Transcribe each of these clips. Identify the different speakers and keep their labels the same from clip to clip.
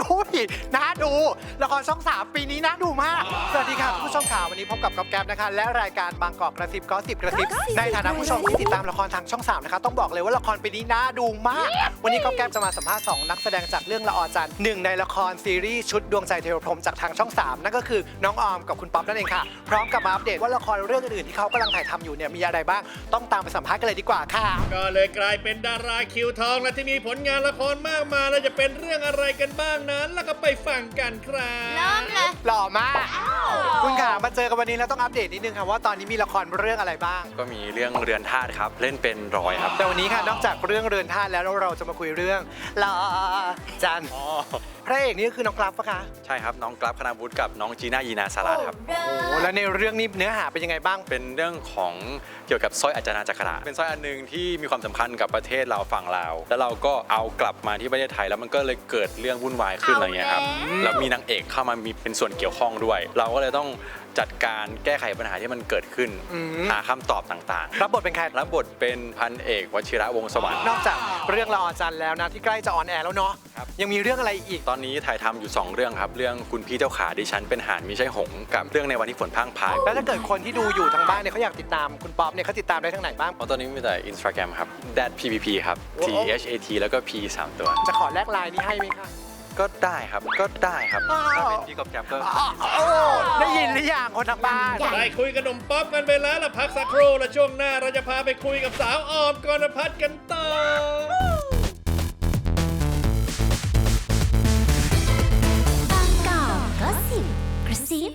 Speaker 1: น่าดูละครช่อง 3 ปีนี้น่าดูมากสวัสดีค่ะคุณผู้ชมข่าววันนี้พบกับก๊อฟแก๊ปนะคะและรายการบางกอกกระซิบก็10กระซิบในฐานะผู้ชมที่ติดตามละครทางช่อง 3นะคะต้องบอกเลยว่าละครปีนี้น่าดูมากวันนี้ก๊อฟแก๊ปจะมาสัมภาษณ์2นักแสดงจากเรื่องละออจันทร์หนึ่งในละครซีรีส์ชุดดวงใจเทวพรหมจากทางช่อง 3นั่นก็คือน้องออมกับคุณป๊อปนั่นเองค่ะพร้อมกับมาอัปเดตว่าละครเรื่องอื่นๆที่เขากำลังถ่ายทำอยู่เนี่ยมีอะไรบ้างต้องตามไปสัมภาษณ์กันเลยดีกว่าค่ะ
Speaker 2: ก็เลยกลายเป็นดาราคิวทองและที่มีผลงานละครมากมายและจะเป็นเรื่องอะไรกันบ้างนั้นแล้วก็ไปฟังกันครับ
Speaker 3: เริ่มเลย
Speaker 1: หล่อมากคุณค่ะมาเจอกันวันนี้แล้วต้องอัปเดตนิดนึงค่ะว่าตอนนี้มีละครเรื่องอะไรบ้าง
Speaker 4: ก็มีเรื่องเรือนธาตุครับเล่นเป็นร้อยครับ
Speaker 1: แต่วันนี้ค่ะนอกจากเรื่องเรือนธาตุแล้วเราจะมาคุยเรื่องละออจันทร์พระเอกนี่ก็คือน้องกราฟปะคะ
Speaker 4: ใช่ครับน้องกราฟคณาวุฒิกับน้องจีน่ายีนาสาราครับ
Speaker 1: โอ้แล้วในเรื่องนี้เนื้อหาเป็นยังไงบ้าง
Speaker 4: เป็นเรื่องของเกี่ยวกับสร้อยอาจนาจักระเป็นสร้อยอันหนึงที่มีความสำคัญกับประเทศเราฝั่งลาวแล้วเราก็เอากลับมาที่ประเทศไทยแล้วมันก็เลยเกิดเรื่องวุ่นวายขึ้นอะไรเงี้ยครับแล้วมีนางเอกเข้ามามีเป็นส่วนเกี่ยวข้องด้วย เราก็เลยต้องจัดการแก้ไขปัญหาที่มันเกิดขึ้นหาคำตอบต่าง
Speaker 1: ๆรับบทเป็นใคร
Speaker 4: รับบทเป็นพันเอกวชิระวงศ์สวรรค์
Speaker 1: นอกจากเรื่องละออจันทร์แล้วนะที่ใกล้จะออนแอร์แล้วเนาะยังมีเรื่องอะไรอีก
Speaker 4: ตอนนี้ถ่ายทำอยู่2เรื่องครับเรื่องคุณพี่เจ้าขาดิฉันเป็นห่านมิใช่หงส์กับเรื่องในวันที่ฝนพรั่งพราย
Speaker 1: แล้วถ้าเกิดคนที่ดูอยู่ทางบ้านเนี่ยเขาอยากติดตามคุณป๊อปเนี่ยเขาติดตามได้ทางไหนบ้าง
Speaker 4: ตอนนี้มีแต่ Instagram ครับ @ppp ครับ THAT แล้วก็ P 3ตัว
Speaker 1: จะขอแลกไลน์นี้ให้ไหมคะ
Speaker 4: ก็ได้ครับก็ได้ครับถ้าเป็นพี่กอบแกมก็
Speaker 1: ได้ยินหรือยังคนทางบ้าน
Speaker 2: ได้คุยกับหนุ่มป๊อปกันไปแล้วละพักสักครู่และช่วงหน้าเราจะพาไปคุยกับสาวออมกรพัฒน์กันต่อบ
Speaker 3: างกอกก็สิบกระซิ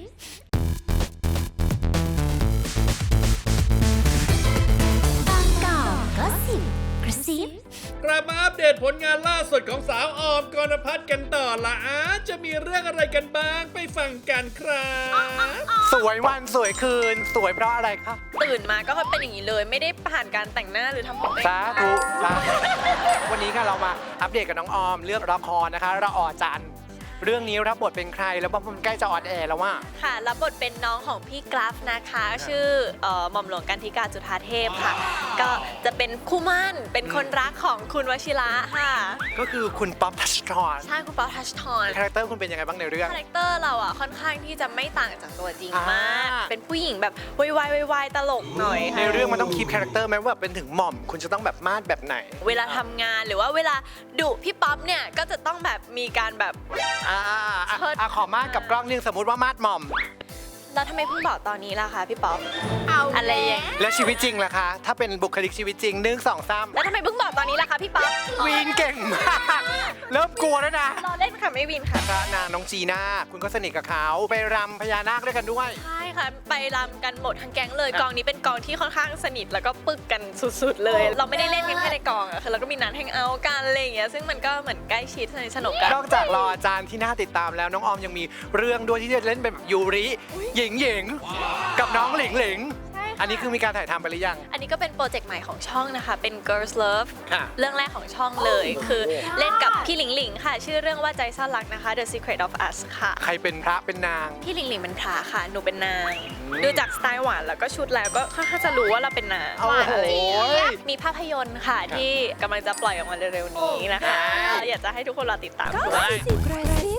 Speaker 3: บางกอกก็สิบกระซิบ
Speaker 2: กลับมาอัปเดตผลงานล่าสุดของสาวออมกรพัฒน์กันต่อละจะมีเรื่องอะไรกันบ้างไปฟังกันครับ
Speaker 1: สวยวันสวยคืนสวยเพราะอะไรคะ
Speaker 5: ตื่นมาก็เป็นอย่างนี้เลยไม่ได้ผ่านการแต่งหน้าหรือทำผม
Speaker 1: สาธุวันนี้ค่ะเรามาอัปเดตกับน้องออมเรื่องละครนะคะละออจันทร์เรื่องนี้รับบทเป็นใครแล้วมันใกล้จะออนแอร์แล้วว่า
Speaker 5: ค่ะรับบทเป็นน้องของพี่กราฟนะคะชื่อหม่อมหลวงกันธิกาจุฑาเทพค่ะก็จะเป็นคู่มั่นเป็นคนรักของคุณวชิระค่ะ
Speaker 1: ก็คือคุณป๊อปทัชทอน
Speaker 5: ใช่คุณป๊อปทัชทอน
Speaker 1: คาแรคเตอร์คุณเป็นยังไงบ้างในเรื่อง
Speaker 5: คาแรคเตอร์เราอ่ะค่อนข้างที่จะไม่ต่างจากตัวจริงมากเป็นผู้หญิงแบบวายตลกหน่อย
Speaker 1: ในเรื่องมันต้องคีปคาแรคเตอร์ไหมว่าเป็นถึงหม่อมคุณจะต้องแบบมาดแบบไหน
Speaker 5: เวลาทำงานหรือว่าเวลาดุพี่ป๊อปเนี่ยก็จะต้องแบบมีการแบบ
Speaker 1: ขอมาดกับกล้องนึงสมมุติว่ามาดหม่อม
Speaker 5: แล้วทำไมเพิ่งบอกตอนนี้ล่ะคะพี่ป๊อปอะไรอย่าง
Speaker 1: และชีวิตจริงล่ะคะถ้าเป็นบุคลิกชีวิตจริง1 2 3
Speaker 5: แล้วทำไมเพิ่งบอกตอนนี้ล่ะคะพี่ป๊อป
Speaker 1: วีนเก่งมากเริ่มกลัวแล้วนะ
Speaker 5: รอเล่นค่ะไม่วีนค่ะ
Speaker 1: พระนางน้องจีน่าคุณก็สนิทกับเขาไปรำพญานาคด้วยกันด้วย
Speaker 5: ใช่ค่ะไปรำกันหมดทั้งแก๊งเลยกองนี้เป็นกองที่ค่อนข้างสนิทแล้วก็ปึกกันสุดๆเลยเราไม่ได้เล่นกันแค่ในกองอะคือเราก็มีนัดแฮงเอาท์กันอะไรอย่างเงี้ยซึ่งมันก็เหมือนใกล้ชิดสนุกกัน
Speaker 1: นอกจากรออาจารย์ที่น่าติดตามแล้วน้องออมยังมีเรื่องด้วยที่จะเล่นเป็นแบบยูริหญิงกับน้องหลิงอันนี้คือมีการถ่ายทำไปหรือยัง
Speaker 5: อันนี้ก็เป็นโปรเจกต์ใหม่ของช่องนะคะเป็น Girls Love เรื่องแรกของช่องเลยคือเล่นกับพี่หลิงค่ะชื่อเรื่องว่าใจซ่อนรักนะคะ The Secret of Us ค่ะ
Speaker 1: ใครเป็นพระเป็นนาง
Speaker 5: พี่หลิงเป็นพระค่ะหนูเป็นนางดูจากสไตล์หวานแล้วก็ชุดแล้วก็ค่อนข้างจะรู้ว่าเราเป็นนางอะไรมีภาพยนตร์ค่ะที่กำลังจะปล่อยออกมาเร็วๆนี้นะคะอยากจะให้ทุกคนรอติดตามด้วย